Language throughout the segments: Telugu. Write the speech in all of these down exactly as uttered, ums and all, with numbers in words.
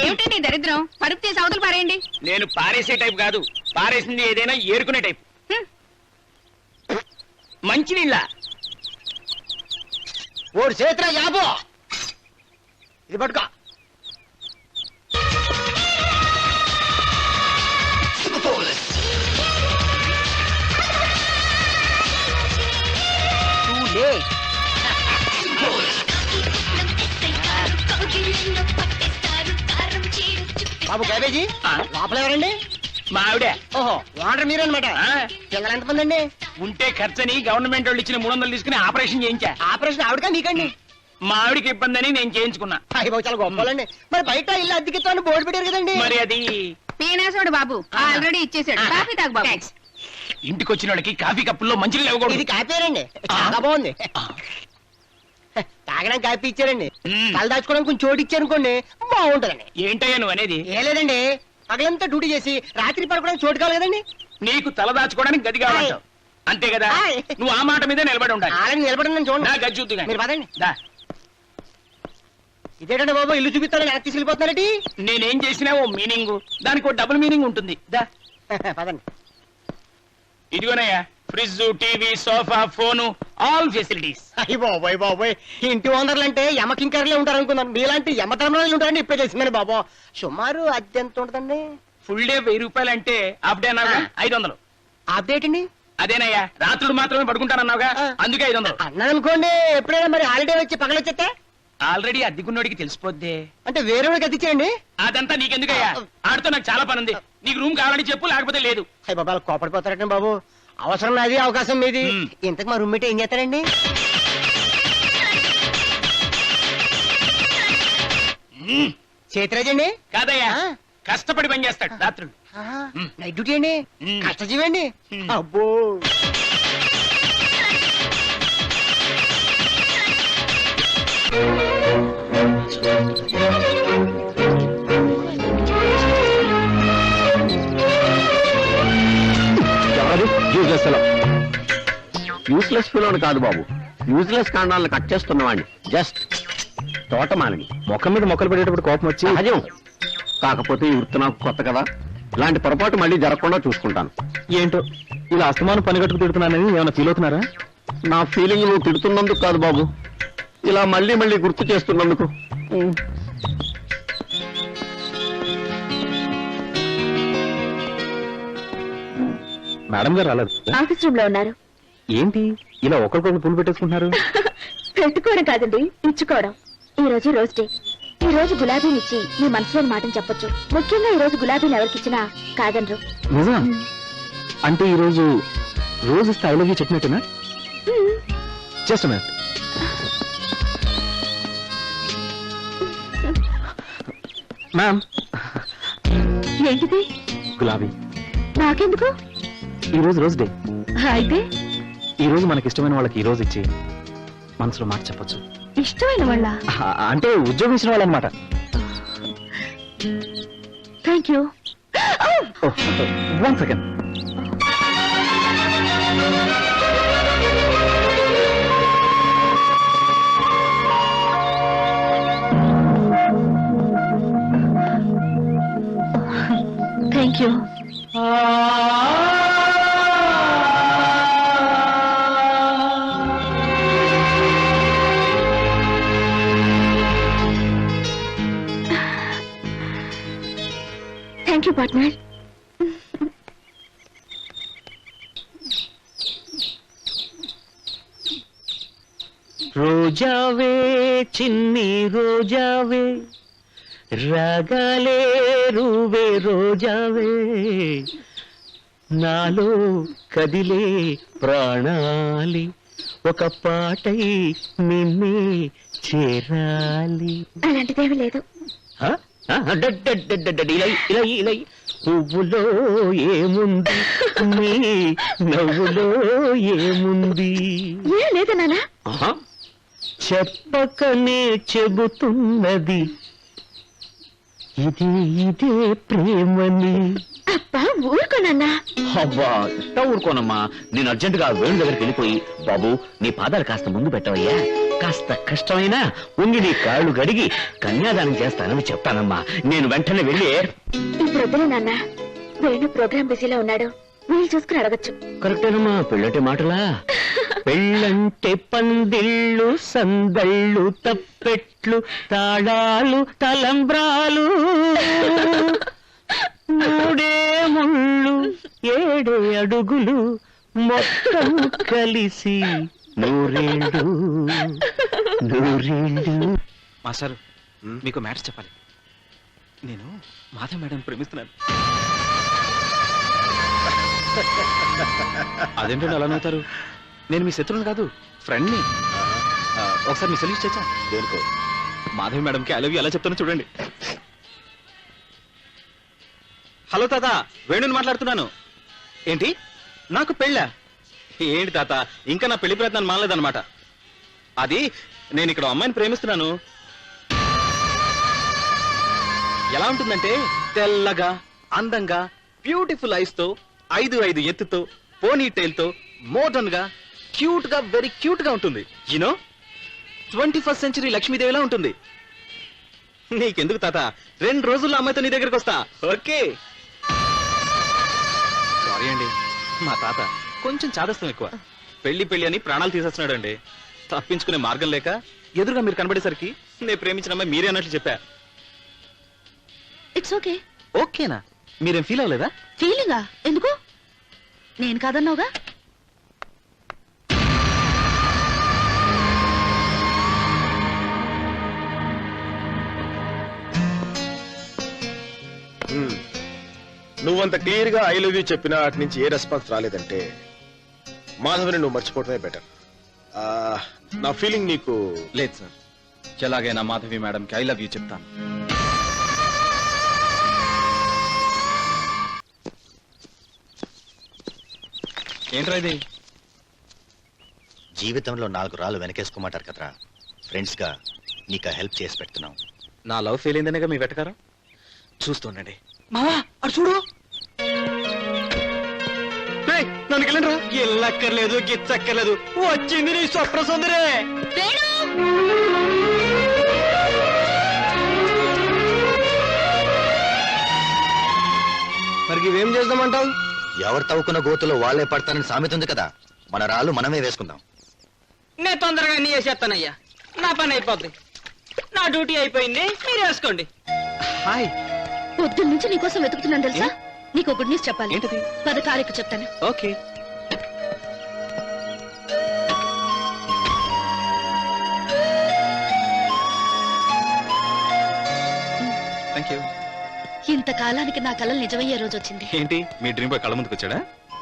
ఏమిటండి ఈ దరిద్రం? పరుపు తీసి అవతలు పారేయండి. నేను పారేసే టైప్ కాదు, పారేసింది ఏదైనా ఏరుకునే టైప్. హ్మ్. మంచినీళ్ళ ఓడి చేతిరా యాబో, ఇది పట్టుకో. బాబు క్యాబేజీ లోపల ఎవరండి? మా ఆవిడే. ఓహో, వాటర్ మీరనమాట. పిల్లలు ఎంతమంది అండి? ఉంటే ఖర్చని గవర్నమెంట్ వాళ్ళు ఇచ్చిన మూడు వందలు తీసుకుని ఆపరేషన్ చేయించా. ఆపరేషన్ ఆవిడగా మీకండి? మా ఆవిడికి ఇబ్బంది అని నేను చేయించుకున్నా. అయ్యి బాబు చాలా గొప్పలండి. మరి బయట ఇల్లు అద్దెకిస్తాను బోర్డు పెట్టారు కదండి. మరి అది పీనాసోడు బాబు ఆల్రెడీ ఇచ్చేసాడు. కాఫీ తాగు బాబు. ఇంటికి వచ్చిన వాళ్ళకి కాఫీ కప్పుల్లో మంచినీళ్ళు ఇది ఇవ్వకూడదు. కాపేరండి, చాలా బాగుంది. తాగడానికి కాపీ ఇచ్చారండి, తల దాచుకోవడానికి కొంచెం చోటు ఇచ్చారనుకోండి బాగుంటదండి. ఏంటయ్యా నువ్వు అనేది? ఏ లేదండి, పగలంతా డ్యూటీ చేసి రాత్రి పడుకోవడానికి చోటు కావాలి కదండి. నీకు తల దాచుకోవడానికి గది కావాలంటావు అంతే కదా? ఆయ్. నువ్వు ఆ మాట మీద నిలబడి ఉండాలి. అలాగే నిలబడి నా చూడండి. గది చూద్దు మీరు పదండి. దా. ఇదేంటండి బాబు, ఇల్లు చూపిస్తారని ఎలా తీసుకెళ్ళిపోతున్నారటి? నేనేం చేసినా ఓ మీనింగ్, దానికి ఓ డబుల్ మీనింగ్ ఉంటుంది. దా. పదండి. ఇదిగోనయ్యా, fridge, TV, sofa, phone, all facilities. అయ్యి బాబోయ్ బాబోయ్, ఇంటి ఓనర్లు అంటే యమకింకర్లే ఉంటారు అనుకున్నాను. మీలాంటి యమధర్మరాలు ఉంటారండి ఇప్పుడే తెలిసిందని బాబు. సుమారు అద్దె ఎంత ఉంటుందండి? ఫుల్ డే వెయ్యి రూపాయలు అంటే హాఫ్ డే అన్నావుగా, ఐదు వందలు. అప్డేట్ అండి? అదేనయ్యా, రాత్రులు మాత్రమే పడుకుంటానన్నావుగా, అందుకే ఐదు వందలు. అన్నాను అనుకోండి, ఎప్పుడైనా మరి హాలిడే వచ్చి పగలొచ్చేస్తే ఆల్రెడీ అద్దెకున్నోడికి తెలిసిపోద్దే. అంటే వేరే వాడికి అద్దిచ్చేయండి. అదంతా నీకెందుకయ్యా? ఆడితో నాకు చాలా పని ఉంది. నీకు రూమ్ కావాలని చెప్పు, లేకపోతే లేదు. అయ్యి బాబా, అలా కోపడిపోతారండి బాబు. అవసరం నాది, అవకాశం మీది. మ్. ఇంతకు మా రూమ్మేట్ ఏం చేస్తారండి? మ్మ్. చేతిరాజండి? కాదయ్యా, ఆ. కష్టపడి పని చేస్తాడు రాత్రులు. మ్. నైట్ డ్యూటీ అండి? మ్. కష్టజీవండి? మ్. అబ్బో. యూస్లెస్ ఫిలోని కాదు బాబు, యూజ్లెస్ కాండాలను కట్ చేస్తున్నవాడిని. జస్ట్ తోటమాలిని. మొక్క మీద మొక్కలు పెట్టేటప్పుడు కోపం వచ్చి సహజం. కాకపోతే ఈ వృత్తి నాకు కొత్త కదా, ఇలాంటి పొరపాటు మళ్ళీ జరగకుండా చూసుకుంటాను. ఏంటో ఇలా అస్తమానం పని కట్టుకు తిడుతున్నానని ఏమైనా ఫీల్ అవుతున్నారా? నా ఫీలింగ్ నువ్వు తిడుతున్నందుకు కాదు బాబు, ఇలా మళ్ళీ మళ్ళీ గుర్తు చేస్తున్నందుకు. ఉమ్. మేడం గారు రాలేదు. ఆఫీస్ రూమ్ లో ఉన్నారు. ఏంటి ఇలా ఒకరికొకరు పులు పెట్టేసుకుంటున్నారు? పెట్టుకోవడం కాదండి, ఇచ్చుకోవడం. ఈ రోజు రోజ్ డే. ఈ రోజు గులాబీని ఇచ్చి మీ మనసులోని మాటను చెప్పొచ్చు. ముఖ్యంగా ఈ రోజు గులాబీని ఎవరికిచ్చినా కాదనరు. నిజం? అంటే ఈ రోజు రోజు ఇస్తే ఐ లవ్ యూ చెప్పినట్టునా? Just minute. మ్యామ్, ఏంటిది? గులాబీ. నాకెందుకు? ఈ రోజు రోజ్ డే. అయితే ఈ రోజు మనకి ఇష్టమైన వాళ్ళకి ఈ రోజు ఇచ్చి మనసులో మాట చెప్పొచ్చు. ఇష్టమైన వాళ్ళ? అంటే ఉద్యోగం ఇచ్చిన వాళ్ళు అనమాట. Thank you. One second. Thank you. Thank you partner. రోజావే చిన్ని రోజావే, రాగాలే రూవే రోజావే, నాలో కదిలే ప్రాణాలి ఒక పాటై నిన్నే చేరాలి. అలాంటిదేమీ లేదు. హ? హ? డడ్డడ్డడ్డడ్డ ఇలా ఇలా ఇలా పువ్వులో ఏముంది, నీ నవ్వులో ఏముంది? ఏం లేదు నానా. ఆహా. చెప్పకనే చెబుతున్నది ఇదే ఇదే ప్రేమని. అబ్బా ఊరుకోనన్నా. అబ్బా ఇట్టా ఊరుకోనమ్మా, నేను అర్జెంటుగా వేణు దగ్గరికి వెళ్ళిపోయి, బాబు నీ పాదాలు కాస్త ముందు పెట్టవయ్యా. కాస్త కష్టమైనా ఉండి నీ కాళ్ళు గడిగి కన్యాదానం చేస్తానని చెప్తానమ్మా. నేను వెంటనే వెళ్ళి ఇప్పుడు వద్దులే నాన్న, వేణు ప్రోగ్రామ్ బిజీలో ఉన్నాడు, వీళ్ళు చూసుకుని అడగచ్చు. కరెక్టేనమ్మా, పెళ్ళంటే మాటలా? పెళ్ళంటే పందిళ్ళు, సందళ్ళు, తప్పెట్లు, తాళాలు, తలంబ్రాలు, మూడే ముళ్ళు, ఏడే అడుగులు, మొత్తం కలిసి నూరేళ్ళు నూరేళ్ళు. మాస్టారు, మీకు మ్యాటర్ చెప్పాలి. నేను మాధవ్ మేడం ప్రేమిస్తున్నాను. అదేంటండి అలా నవ్వుతారు? నేను మీ శత్రువుని కాదు, ఫ్రెండ్ని. ఆ, ఒకసారి మీ సెల్యూట్ చేచ్చా? దేనికో? మాధవి మేడంకి ఐ లవ్ యూ ఎలా చెప్తానో చూడండి. హలో తాత, వేణుని మాట్లాడుతున్నాను. ఏంటి, నాకు పెళ్ళా? ఏంటి తాత, ఇంకా నా పెళ్లి ప్రయత్నాన్ని మానలేదన్నమాట. అది నేను ఇక్కడ అమ్మాయిని ప్రేమిస్తున్నాను. ఎలా ఉంటుందంటే తెల్లగా, అందంగా, బ్యూటిఫుల్ ఐస్ తో, ఐదు ఐదు ఎత్తుతో, పోనీ టైల్ తో, మోడర్న్ గా, క్యూట్ గా, వెరీ క్యూట్ గా ఉంటుంది. యూనో, ట్వంటీ ఫస్ట్ సెంచరీ లక్ష్మీదేవిలా ఉంటుంది. నీకెందుకు తాత, రెండు రోజుల్లో అమ్మాయితో నీ దగ్గరకు వస్తా. ఓకే? సారీ అండి, మా తాత కొంచెం చాదస్తం ఎక్కువ. పెళ్లి పెళ్లి అని ప్రాణాలు తీసేస్తున్నాడు అండి. తప్పించుకునే మార్గం లేక ఎదురుగా మీరు కనబడేసరికి నేను ప్రేమించిన అమ్మాయి మీరే అన్నట్లు చెప్పా. It's okay. ఓకేనా? మీరేం ఫీల్ అవ్వలేదా? ఫీలింగా ఎందుకు? నేను కాదన్నావుగా. నువ్వంత క్లియర్ గా ఐ లవ్ యూ చెప్పినా అటు నుంచి ఏ రెస్పాన్స్ రాలేదంటే మాధవిని నువ్వు మర్చిపోవటమే బెటర్. నా ఫీలింగ్ నీకు లేదు సార్. ఎలాగైనా మాధవి మేడంకి ఐ లవ్ యూ చెప్తాను. ఏంట్రా ఇది? జీవితంలో నాలుగు రాళ్ళు వెనకేసుకోమంటారు కదరా, ఫ్రెండ్స్ గా నీకు హెల్ప్ చేసి పెడుతున్నాం. నా లవ్ ఫెయిల్ అయిందనేగా మీ వెటకారం. చూస్తుండండి. మావా అటు చూడు. నన్ను వెళ్ళండిరా. ఎల్లక్కర్లేదు, గిచ్చక్కర్లేదు, వచ్చింది నీ స్వప్న సుందరే. మరి ఇవేం చేద్దామంటావు? ఎవరు తవ్వుకున్న గోతులో వాళ్ళే పడతారని సామెత ఉంది కదా, మన రాళ్ళు మనమే వేసుకుందాం. నేను తొందరగా నీ వేసేస్తానయ్యా, నా పని అయిపోద్ది. నా డ్యూటీ అయిపోయింది, మీరు వేసుకోండి. హాయ్. పొద్దున్న నుంచి నీకోసం వెతుకుతున్నాను తెలుసా. నీకు గుడ్ న్యూస్ చెప్పాలి. ఏంటది? పద కారెక్కు చెప్తాను. ఓకే. Thank you. ఇంతకాలానికి నా కలలు నిజమయ్యే రోజు వచ్చింది. ఏంటి, మీ డ్రీమ్ బాయ్ కళ్ళ ముందుకు వచ్చాడా?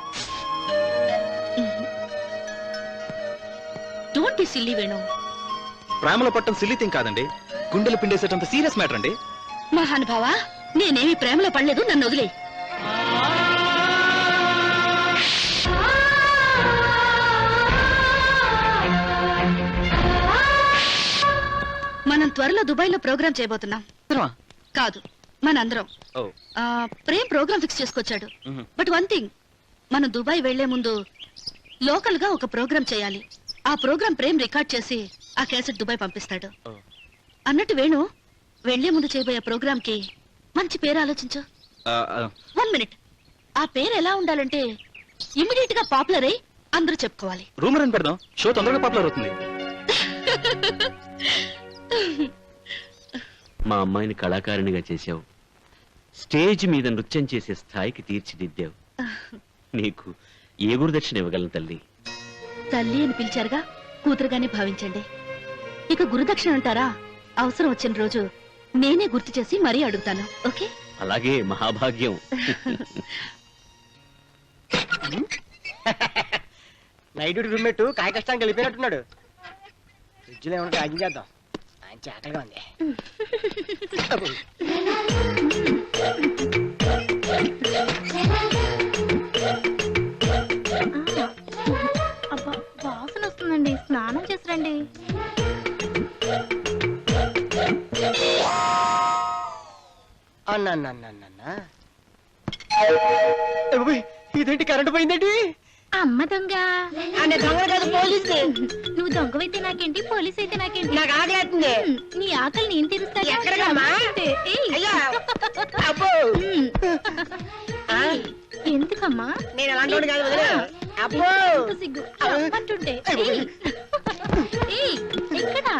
Don't be silly Venu. ప్రేమలో పట్టం సిల్లీ థింగ్ కాదండి, గుండెలు పిండేసేటంత సీరియస్ మ్యాటర్ అండి. మహానుభావా, నేనేమి ప్రేమలో పడలేదు, నన్ను వదిలే. మనం త్వరలో దుబాయ్ లో ప్రోగ్రామ్ చేయబోతున్నాం. కాదు, మనందరం. ఆ, ప్రేమ్ ప్రోగ్రామ్ ఫిక్స్ చేసుకొచ్చాడు. బట్ వన్ థింగ్, మనం దుబాయ్ వెళ్లే ముందు లోకల్ గా ఒక ప్రోగ్రామ్ చేయాలి. ఆ ప్రోగ్రామ్ ప్రేమ్ రికార్డ్ చేసి ఆ క్యాసెట్ దుబాయ్ పంపిస్తాడు. అన్నట్టు వేణు, వెళ్లే ముందు చేయబోయే ప్రోగ్రామ్ కి మంచి పేరు ఆలోచించు. One minute. ఆ పేరు ఎలా ఉండాలంటే ఇమిడియట్ గా పాపులర్ అయి అందరూ చెప్పుకోవాలి. రూమర్ అని పెడదాం, షో తొందరగా పాపులర్ అవుతుంది. మా అమ్మాయిని కళాకారిణిగా చేశావు, స్టేజ్ మీద నృత్యం చేసే స్థాయికి తీర్చిదిద్దావు. నీకు ఏ గురుదక్షిణ ఇవ్వగలను తల్లి? తల్లి అని పిలిచారుగా, కూతురుగానే భావించండి. ఇక గురుదక్షిణ అంటారా? అవసరం వచ్చిన రోజు నేనే గుర్తు చేసి మరీ అడుగుతాను. ఓకే? అలాగే, మహాభాగ్యం. నైట్ డ్యూటీ రూమ్మేట్ కాయ కష్టానికి వెళ్ళిపోయినట్టున్నాడు. ఫ్రిడ్జ్ లో ఏమన్నా ప్యాకింగ్ చేద్దాం, ఆయన చాకలిగా ఉంది. వాసన వస్తుందండి, స్నానం చేసిరండి. అన్న ఇదేంటి, కరెంట్ పోయిందేంటి? అమ్మ దొంగ అనే దొంగ కాదు పోలీసు. నువ్వు దొంగవైతే నాకేంటి పోలీస్ అయితే నాకేంటి నాకు ఆగలేస్తుంది. నీ ఆకలి నేను తీరుస్తాను ఎక్కడికమ్మా? అయ్యా. అబ్బో. ఆ? ఎందుకమ్మా నేను అలాంటి వాడిని కాదు వదిలే. అబ్బో. ఎంత సిగ్గు చెప్పంటుంటే ఏయ్. ఏయ్, ఎక్కడా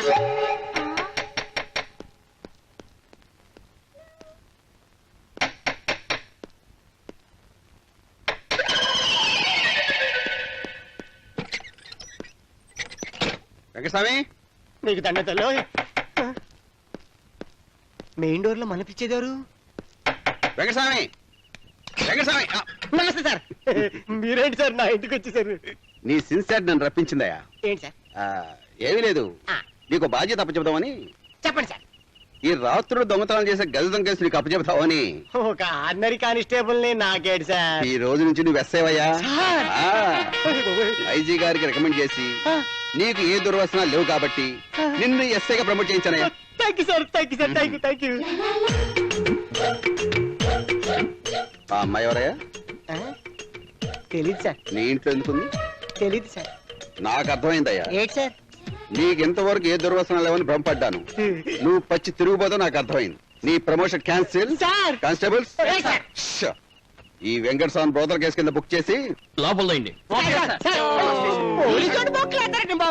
వెంకటస్వామి మీకు దండతలో మెయిన్ డోర్ లో మనిపించేదారు. వెంకటస్వామి వెంకటస్వామి ఆ, నమస్తే సార్. మీరేంటి సార్ నా ఇంటికి వచ్చేసారు? నీ సిన్సియర్ నన్ను రప్పించిందయ్యా. ఏంటి సార్? ఆ, ఏమీ లేదు, ఆ, నీకు బాధ్యత అప్పచెబుదామని. చెప్పండి సార్. ఈ రాత్రులు దొంగతనం చేసే గది దొంగ కేసు నీకు అప్పచెబుతావని. ఒక ఆర్డినరీ కానిస్టేబుల్ ని నాకేడు సార్. ఈ రోజు నుంచి నువ్వు ఎస్ఐవయ్యా. సార్. ఐజీ గారికి రికమెండ్ చేసి ఆ, నీకు ఏ దుర్వసనాలు లేవు కాబట్టి నిన్ను ఎస్ఐగా ప్రమోట్ చేయించానయ్యా. Thank you sir, thank you sir, thank you, thank you. ఆ అమ్మాయి ఎవరయ్యా? ఆ, తెలీదు సార్, నీ ఇంట్లో ఎందుకుంది? తెలీదు సార్. నాకు అర్థమైందయ్యా. ఏంటి సార్? నీకు ఇంతవరకు ఏ దుర్వసనాలు లేవని భ్రమపడ్డాను. నువ్వు పచ్చి తిరుగుబోతో నాకు అర్థమైంది. నీ promotion cancel. Sir. Constables Yes, sir. ష్. ఈ వెంకట స్వామి బ్రోదర్ కేసు కింద బుక్ చేసి లోపల సార్, సార్, పోలీసు వాడు బొక్కలు వేస్తారండి బాబు.